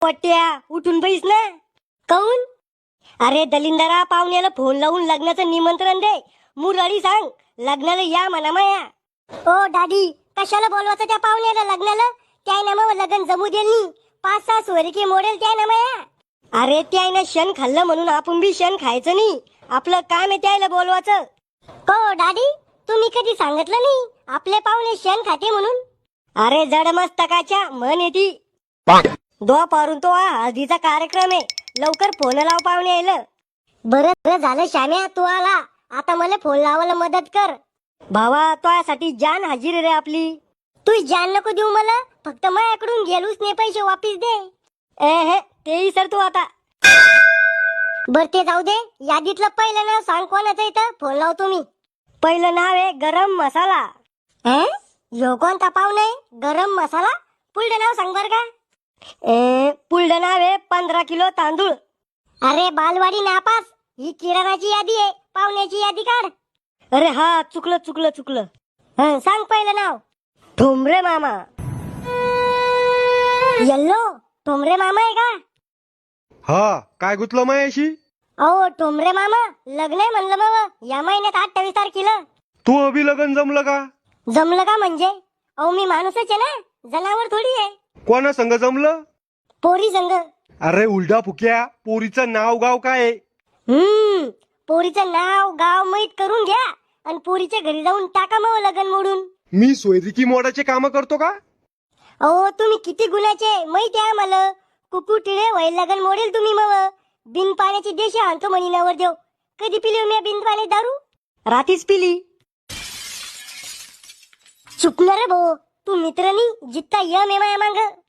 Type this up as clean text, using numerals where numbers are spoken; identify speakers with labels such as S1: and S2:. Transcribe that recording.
S1: पट्ट्या उठून बैस ना. काऊन? अरे दलिंदरा, पाहुण्याला फोन लावून लग्नाचं निमंत्रण दे. मुरळी सांग लग्नाला या म्हणा माया. ओ दादी, कशाला बोलवायचं त्या पाहुण्याला लग्नाला? त्या ना मग लग्न जमू देईल. 5-6 सोयरीकी मोडेल त्या ना माया. अरे त्यानं शेण खाल्लं म्हणून आपण बी शेण खायचं नाही. आपलं काम आहे त्याला बोलवायचं. को दादी, तुम्ही कधी सांगितलं नाही आपले पाहुणे शेण खाते म्हणून? अरे जड मस्तकाच्या म्हण येती. दुपारून तो हळदीचा कार्यक्रम आहे. लवकर फोन लाव पाहुणे यायला. बरं झालं श्याम्या तू आला. आता मला फोन लावायला मदत कर. भावा तुझ्यासाठी जान हाजीर रे आपली. तू जान नको देऊ मला, फक्त माझ्याकडून गेलूच नाही पैसे वापिस दे. तेही सर तू आता. बर ते जाऊ दे. यादीतलं पहिलं नाव सांग कोणाचं इथं फोन लावतो मी. पहिलं नाव आहे गरम मसाला. ह्यो कोणता पाहुणा आहे गरम मसाला? पुढलं नाव सांग बर का. पुढलं नाव आहे 15 किलो तांदूळ. अरे बालवाडी नापास, ही किराणाची यादी आहे. पाहुण्याची यादी काढ. अरे हा चुकलं. सांग पहिलं नाव. ठोंबरे मामा. येल्लो ठोंबरे मामा आहे का?
S2: हा, काय गुतलं मायाशी?
S1: अहो ठोंबरे मामा, लग्न आहे म्हणलं मग या महिन्यात 28 तारखेला.
S2: तू अभि लगन जमलं का?
S1: जमलं का म्हणजे? अहो मी माणूसच आहे ना, जनावर थोडी आहे.
S2: कोणा संग जमलं?
S1: पोरी संग.
S2: अरे उलटा फुक्या, पोरीचं नाव गाव काय आहे?
S1: पोरीचं नाव गाव माहित करून घ्या आणि पोरीच्या घरी जाऊन टाका मग लगन मोडून.
S2: मी सोयरिकी मोडाचे काम करतो का?
S1: अहो तुम्ही किती गुन्ह्याचे माहिती आहे मला. कुकू टिळे वय लगन मोडेल तुम्ही मग. बिन पाण्याची देशी आणतो म्हणी नवर देव. कधी पिली मी बिन पाणी दारू? रातीच पिली. चुकणार रे भाऊ, तू मित्र नाही जित्ता यम आहे माया मांग.